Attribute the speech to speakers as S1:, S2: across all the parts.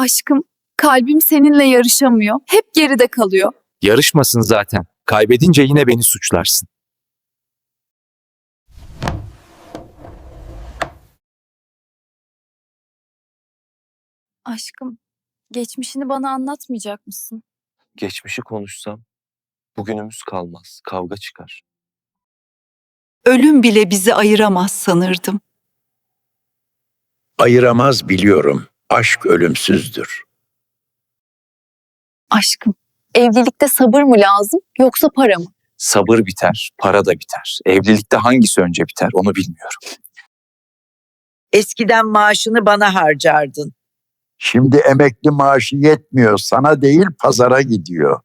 S1: Aşkım, kalbim seninle yarışamıyor. Hep geride kalıyor.
S2: Yarışmasın zaten. Kaybedince yine beni suçlarsın.
S1: Aşkım, geçmişini bana anlatmayacak mısın?
S2: Geçmişi konuşsam bugünümüz kalmaz, kavga çıkar.
S3: Ölüm bile bizi ayıramaz sanırdım.
S4: Ayıramaz biliyorum. Aşk ölümsüzdür.
S1: Aşkım, evlilikte sabır mı lazım yoksa para mı?
S2: Sabır biter, para da biter. Evlilikte hangisi önce biter onu bilmiyorum.
S5: Eskiden maaşını bana harcardın.
S4: Şimdi emekli maaşı yetmiyor. Sana değil pazara gidiyor.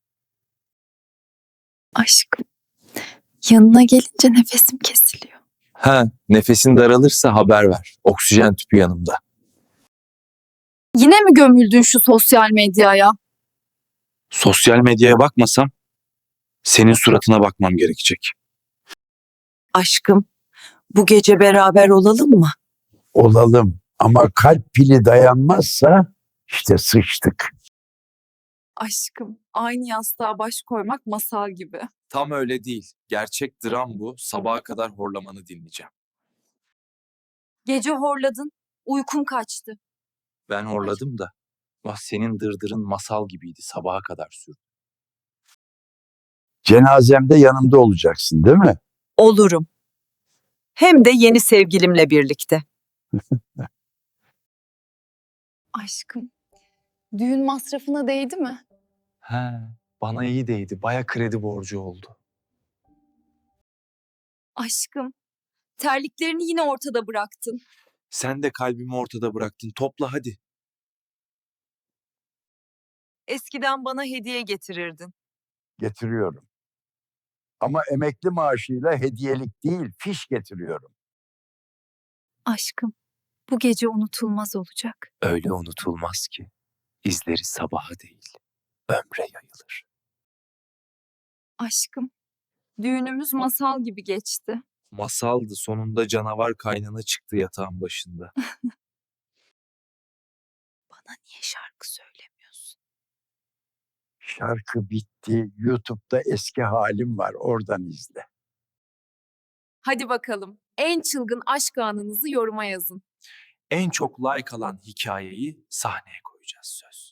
S1: Aşkım, yanına gelince nefesim kesiliyor.
S2: Ha, nefesin daralırsa haber ver. Oksijen tüpü yanımda.
S1: Yine mi gömüldün şu sosyal medyaya?
S2: Sosyal medyaya bakmasam senin suratına bakmam gerekecek.
S5: Aşkım, bu gece beraber olalım mı?
S4: Olalım ama kalp pili dayanmazsa işte sıçtık.
S1: Aşkım, aynı yastığa baş koymak masal gibi.
S2: Tam öyle değil. Gerçek dram bu. Sabaha kadar horlamanı dinleyeceğim.
S1: Gece horladın, uykum kaçtı.
S2: Ben horladım da. Vah senin dırdırın masal gibiydi. Sabaha kadar sürdü.
S4: Cenazemde yanımda olacaksın değil mi?
S5: Olurum. Hem de yeni sevgilimle birlikte.
S1: Aşkım, düğün masrafına değdi mi?
S2: He, bana iyi değdi. Baya kredi borcu oldu.
S1: Aşkım, terliklerini yine ortada bıraktın.
S2: Sen de kalbimi ortada bıraktın. Topla hadi.
S5: Eskiden bana hediye getirirdin.
S4: Getiriyorum. Ama emekli maaşıyla hediyelik değil, fiş getiriyorum.
S1: Aşkım, bu gece unutulmaz olacak.
S2: Öyle unutulmaz ki. İzleri sabaha değil, ömre yayılır.
S1: Aşkım, düğünümüz masal gibi geçti.
S2: Masaldı, sonunda canavar kaynana çıktı yatağın başında.
S1: Bana niye şarkı söylemiyorsun?
S4: Şarkı bitti. YouTube'da eski halim var. Oradan izle.
S1: Hadi bakalım, en çılgın aşk anınızı yoruma yazın.
S2: En çok like alan hikayeyi sahneye koyacağız söz.